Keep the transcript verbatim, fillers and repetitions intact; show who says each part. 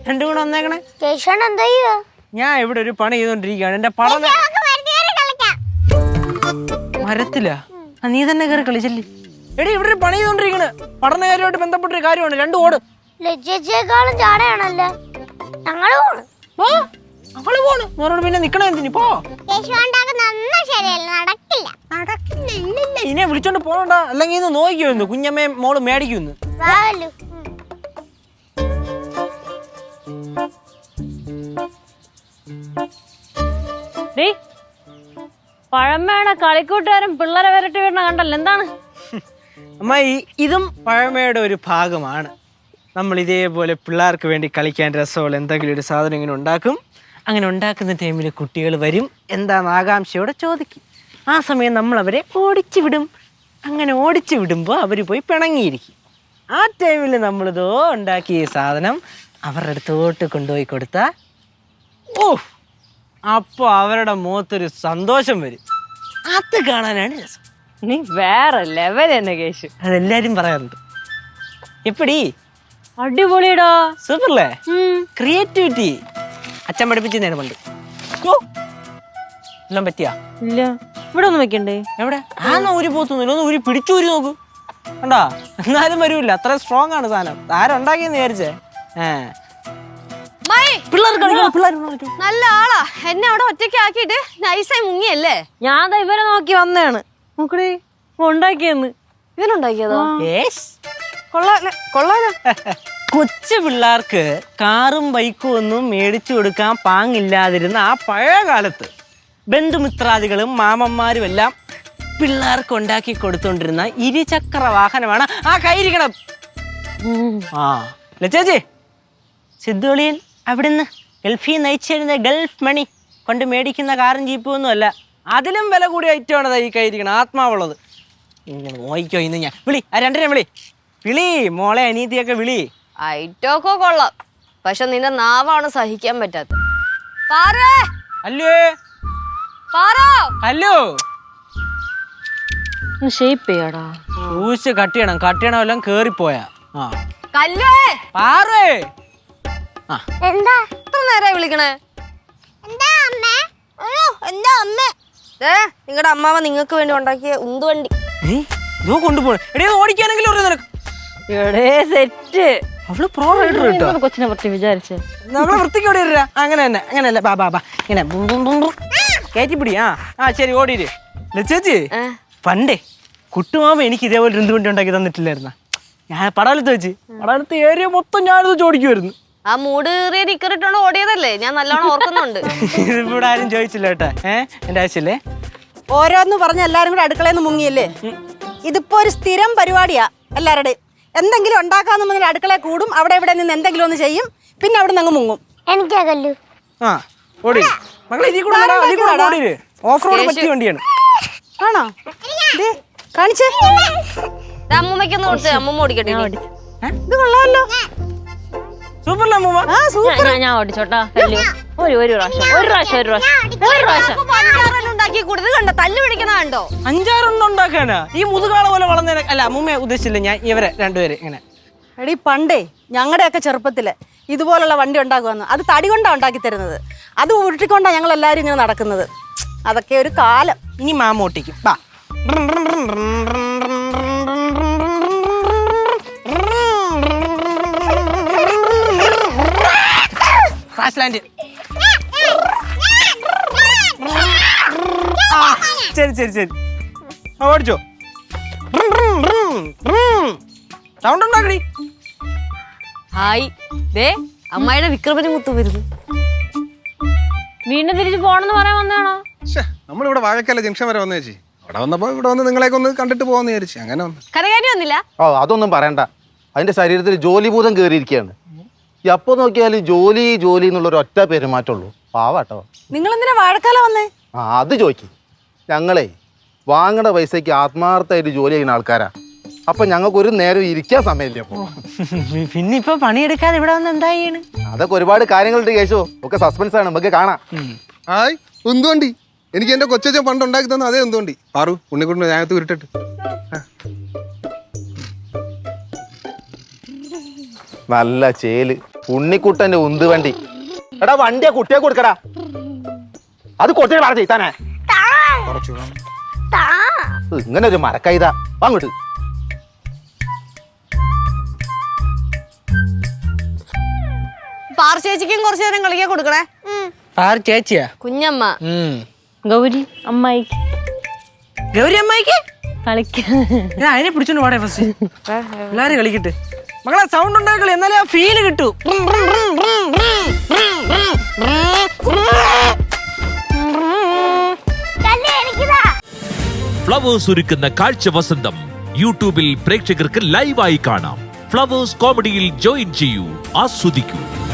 Speaker 1: രണ്ടും കൂടെ വന്നേക്കണേ.
Speaker 2: ഞാൻ
Speaker 1: ഇവിടെ ഒരു പണി ചെയ്തോണ്ടിരിക്കുകയാണ്. എന്റെ പടം മരത്തില നീ തന്നെ കയറി കളിച്ചല്ലേ. എടി ഇവിടെ ഒരു പണി ചെയ്തോണ്ടിരിക്കണ്. പഠനകാര്യമായിട്ട് ബന്ധപ്പെട്ടൊരു കാര്യമാണ്. രണ്ടു ഓട്.
Speaker 2: ലജ്ജേക്കാളും ചാടയാണല്ലോ. ഞങ്ങള് പോണ്.
Speaker 1: അവള് പോണ്. മോനോട് പിന്നെ നിക്കണ എന്തിനി പോ.
Speaker 2: നടക്കില്ല.
Speaker 1: ഇനെ വിളിച്ചോണ്ട് പോണണ്ട. അല്ലെങ്കിൽ ഇന്ന് നോക്കിയോന്ന് കുഞ്ഞമ്മയെ മോള് മേടിക്കുന്നു.
Speaker 3: പഴമയുടെ കളിക്കൂട്ടുകാരൻ പിള്ളേരെ വരട്ടി വീണ കണ്ടല്ലോ. എന്താണ്
Speaker 1: അമ്മ? ഇതും പഴമയുടെ ഒരു ഭാഗമാണ്. നമ്മൾ ഇതേപോലെ പിള്ളേർക്ക് വേണ്ടി കളിക്കാൻ രസമുള്ള എന്തെങ്കിലും ഒരു സാധനം ഇങ്ങനെ ഉണ്ടാക്കും. അങ്ങനെ ഉണ്ടാക്കുന്ന ടൈമിൽ കുട്ടികൾ വരും, എന്താണെന്ന് ആകാംക്ഷയോടെ ചോദിക്കും. ആ സമയം നമ്മൾ അവരെ ഓടിച്ചു വിടും. അങ്ങനെ ഓടിച്ചു വിടുമ്പോൾ അവർ പോയി പിണങ്ങിയിരിക്കും. ആ ടൈമിൽ നമ്മളിതോ ഉണ്ടാക്കിയ സാധനം അവരുടെ അടുത്തോട്ട് കൊണ്ടുപോയി കൊടുത്താൽ ഓ അപ്പോൾ അവരുടെ മുഖത്തൊരു സന്തോഷം വരും. അത് കാണാനാണ് രസം.
Speaker 3: നീ വേറെ ലെവൽ തന്നെ കേശു.
Speaker 1: അതെല്ലാരും പറയാറുണ്ട്. എപ്പടി
Speaker 3: അടിപൊളിയടാ.
Speaker 1: സൂപ്പർല്ലേ. ക്രിയേറ്റിവിറ്റി അച്ഛൻ പഠിപ്പിച്ചു നേരം പണ്ട്. എല്ലാം പറ്റിയാ?
Speaker 3: ഇല്ല. ഇവിടെ ഒന്നും വെക്കണ്ടേ?
Speaker 1: എവിടെ? ആന്നോ ഊരി പോത്തുന്നില്ല. ഒന്ന് ഊരി പിടിച്ചൂരി നോക്ക്. കണ്ടാ? എന്നാലും വരൂല്ല. അത്ര സ്ട്രോങ് ആണ് സാധനം. ആരുണ്ടാക്കിയെന്ന് വിചാരിച്ചേ? ഏഹ്
Speaker 4: നല്ല ആളാ. എന്നെ അവിടെ ഒറ്റയ്ക്ക് ആക്കിയിട്ട് നൈസായി മുങ്ങിയല്ലേ.
Speaker 3: ഞാൻ ഇവരെ നോക്കി വന്നതാണ്. നോക്കണേ ഉണ്ടാക്കിയെന്ന്.
Speaker 4: ഇവനുണ്ടാക്കിയതോ?
Speaker 3: കൊള്ളാലോ.
Speaker 1: കൊച്ചു പിള്ളേർക്ക് കാറും ബൈക്കും ഒന്നും മേടിച്ചു കൊടുക്കാൻ പാങ്ങില്ലാതിരുന്ന ആ പഴയ കാലത്ത് ബന്ധുമിത്രാദികളും മാമന്മാരും എല്ലാം പിള്ളേർക്ക് ഉണ്ടാക്കി കൊടുത്തോണ്ടിരുന്ന ഇരുചക്ര വാഹനമാണ് ആ കൈയിരിക്കണം. ആ ലച്ചേച്ചി, സിദ്ധുളിയൻ അവിടുന്ന് ഗൾഫിൽ നയിച്ചിരുന്ന ഗൾഫ് മണി കൊണ്ട് മേടിക്കുന്ന കാറും ജീപ്പും ഒന്നും അല്ല. അതിലും വില കൂടിയ ഐറ്റമാണ് ഈ കൈയിരിക്കണം. ആത്മാവുള്ളത്. ഇങ്ങനെ നോയിക്കോ. ഇന്ന് ഞാൻ വിളി. ആ രണ്ടര വിളി വിളി മോളെ അനീതിയൊക്കെ വിളി.
Speaker 4: ഐറ്റമൊക്കെ കൊള്ളാം. പക്ഷെ നിന്റെ നാവാണ് സഹിക്കാൻ പറ്റാത്ത.
Speaker 1: അല്ലോ ഹലോ
Speaker 3: ഷേപ്പ് ചെയ്യാടാ.
Speaker 1: ഊശ് കട്ട് ചെയ്യണം. കട്ട് ചെയ്യണം എല്ലാം കേറിപ്പോയാ. ആ
Speaker 4: കല്ലോ
Speaker 1: പാറേ. ആ
Speaker 2: എന്താ
Speaker 4: എത്ര നേരായി വിളിക്കണേ?
Speaker 2: എന്താ അമ്മ?
Speaker 4: അയ്യോ എന്താ അമ്മ? ഏ നിങ്ങളുടെ അമ്മാവ നിങ്ങൾക്ക് വേണ്ടി ഉണ്ടാക്കിയ ഉന്തുവണ്ടി
Speaker 1: ഇതോ കൊണ്ടുപോണേ. എടേ ഓടിക്കാനെങ്കിലും അറിയാം നിനക്ക്.
Speaker 3: എടേ സെറ്റ്.
Speaker 1: അവള് പ്രോ റൈഡർ കേട്ടോ.
Speaker 3: കൊച്ചിനെ പറ്റി വിചാരിച്ചേ
Speaker 1: നമ്മളെ വൃത്തിക്ക് ഓടി വരാ. അങ്ങനെ തന്നെ അങ്ങനെയല്ല. ബാ ബാ ബാ ഇങ്ങനെ കയറ്റിപ്പിടി. ആ ആ ശരി ഓടിയിര്. ലച്ചേച്ചി പണ്ടേ കുട്ടുമാമ എനിക്ക് ഇതേപോലെ ഒരു വണ്ടി ഉണ്ടാക്കി തന്നിട്ടില്ലായിരുന്ന. ഞാൻ പടവലത്ത് വെച്ച് പടവലത്ത് ഏരിയ മൊത്തം ഞാനിത് ചോദിക്കുമായിരുന്നു.
Speaker 4: ആ മൂട് കയറിയ നിക്കറിട്ടോണ്ട് ഓടിയതല്ലേ? ഞാൻ നല്ലോണം ഓർക്കുന്നുണ്ട്.
Speaker 1: ഇവിടെ ആരും ചോദിച്ചില്ല കേട്ടാ. ഏഹ് എന്റെ ആവശ്യല്ലേ?
Speaker 5: ഓരോന്ന് പറഞ്ഞ എല്ലാരും കൂടെ അടുക്കളയിൽ നിന്ന് മുങ്ങിയല്ലേ? ഇതിപ്പോ ഒരു സ്ഥിരം പരിപാടിയാ എല്ലാവരുടെയും. എന്തെങ്കിലും ഉണ്ടാക്കാന്ന് പറഞ്ഞാൽ അടുക്കളയിൽ കൂടും. അവിടെ ഇവിടെ നിന്ന് എന്തെങ്കിലും ഒന്ന് ചെയ്യും. പിന്നെ അവിടെ നിന്ന് അങ്ങ് മുങ്ങും.
Speaker 2: എനിക്കാ കല്ലു.
Speaker 1: ആ ഓടി മകളെ. ഇതിൽ കൂടെ ഓടി. ഓഫ് റോഡ് പറ്റിയ വണ്ടിയാണ്.
Speaker 5: ആണോ? കാണിച്ചേ.
Speaker 4: അമ്മൂമ്മയ്ക്കൊന്ന് കൊടുത്ത് അമ്മൂമ്മ ഓടിക്കട്ടെ.
Speaker 5: ഇത് കൊള്ളാമല്ലോ.
Speaker 1: സൂപ്പർ അമ്മൂമ്മ.
Speaker 5: ആ സൂപ്പർ.
Speaker 3: ഞാൻ ഓടിച്ചോട്ടാ. ഒരു ഒരു പ്രാവശ്യം ഒരു പ്രാവശ്യം ഒരു പ്രാവശ്യം ഒരു പ്രാവശ്യം
Speaker 4: ഉണ്ടാക്കി കൊടുത്ത് കണ്ടോ? തല്ലു പിടിക്കണ കണ്ടോ?
Speaker 1: അഞ്ചാറെണ്ണം ഉണ്ടാക്കാനാ ഈ മുതുകാള പോലെ വളർന്നേനെ. അല്ല അമ്മൂമ്മയെ ഉദ്ദേശിച്ചില്ല ഞാൻ. ഇവരെ രണ്ടുപേരെ ഇങ്ങനെ.
Speaker 5: എടി പണ്ടേ ഞങ്ങളുടെയൊക്കെ ചെറുപ്പത്തില് ഇതുപോലുള്ള വണ്ടി ഉണ്ടാക്കുവന്ന്. അത് തടി കൊണ്ടാണ് ഉണ്ടാക്കി തരുന്നത്. അത് ഉരുട്ടിക്കൊണ്ടാണ് ഞങ്ങൾ എല്ലാവരും ഇങ്ങനെ നടക്കുന്നത്. അതൊക്കെ ഒരു കാലം.
Speaker 1: ഇനി മാമ ഓട്ടിക്കും. ബാ ശരി ശരി ശരി ഓടിച്ചോ. സൗണ്ട് ഉണ്ടാക്കടി.
Speaker 4: ഹായ് ദേ അമ്മായിയുടെ വിക്രമന് മുത്തു വരുന്നു.
Speaker 3: വീണ്ടും തിരിച്ചു പോണെന്ന് പറയാൻ വന്നാണോ?
Speaker 6: നമ്മളിവിടെ വാഴക്കല്ല ജംഗ്ഷൻ വരെ വന്നു ചേച്ചി. അവിടെ വന്നപ്പോ ഇവിടെ വന്ന് നിങ്ങളെയൊക്കെ ഒന്ന് കണ്ടിട്ട് പോകാന്ന് വിചാരിച്ചു. അങ്ങനെ വന്നു.
Speaker 4: കരകാരി വന്നില്ല?
Speaker 7: ഓ അതൊന്നും പറയണ്ട. അതിന്റെ ശരീരത്തിൽ ജോലിഭൂതം കയറിയിരിക്കുകയാണ്. എപ്പോ നോക്കിയാലും ജോലി ജോലി എന്നുള്ളൊരു ഒറ്റ പെരുമാറ്റമുള്ളൂ. പാവാട്ടോ.
Speaker 5: നിങ്ങൾ എന്തിനാ വാഴക്കാല വന്നേ?
Speaker 7: ആ അത് ചോദിക്കും. ഞങ്ങളെ വാങ്ങണ പൈസക്ക് ആത്മാർത്ഥമായിട്ട് ജോലി ചെയ്യുന്ന ആൾക്കാരാ. അപ്പൊ ഞങ്ങൾക്ക് ഒരു നേരം ഇരിക്കാൻ സമയമില്ല. അപ്പൊ
Speaker 1: പിന്നെ ഇപ്പൊ പണിയെടുക്കാതെ ഇവിടെ വന്ന് എന്താ ചെയ്യണ്?
Speaker 7: അതൊക്കെ ഒരുപാട് കാര്യങ്ങളുണ്ട് കേശോ. ഒക്കെ സസ്പെൻസ് ആണ്. നമുക്ക് കാണാം.
Speaker 6: ഹായ് ഉന്തുവണ്ടി. എനിക്ക് എന്റെ കൊച്ചച്ഛൻ പണ്ട് ഉണ്ടാക്കി തന്ന അതേ ഉന്തുവണ്ടി. പാറു ഉണ്ണിക്കുട്ടിന് ഞാനത്ത് ഉരുട്ടിട്ട്.
Speaker 7: നല്ല ചേല്. ഉണ്ണിക്കുട്ടന്റെ ഉന്ത് വണ്ടി. എടാ വണ്ടിയാ കുട്ടിയെ കൊടുക്കടാ. അത് കൊച്ചിനെ പറ ചെയ്താനേ. ഇങ്ങനെ ഒരു മരക്കൈത അങ്ങോട്ട്.
Speaker 4: പാർ ചേച്ചിക്കും കുറച്ചു നേരം കളിക്കാൻ കൊടുക്കണേ.
Speaker 1: ആര് ചേച്ചിയാ?
Speaker 4: കുഞ്ഞമ്മ.
Speaker 1: ഉം.
Speaker 3: ഗൗരി അമ്മായിക്ക്
Speaker 1: ഗൗരി അമ്മായിക്ക്
Speaker 3: കളിക്കാൻ.
Speaker 1: ഞാൻ അതിനെ പിടിച്ചോണ്ട് പാടേ ഫസ്റ്റ്. എല്ലാരും കളിക്കട്ടെ മകളെ. സൗണ്ട് ഉണ്ടാക്കളി, എന്നാലേ ആ ഫീല് കിട്ടൂ.
Speaker 8: ഫ്ലവേഴ്സ് ഒരുക്കുന്ന കാഴ്ച വസന്തം യൂട്യൂബിൽ പ്രേക്ഷകർക്ക് ലൈവായി കാണാം. ഫ്ലവേഴ്സ് കോമഡിയിൽ ജോയിൻ ചെയ്യൂ, ആസ്വദിക്കൂ.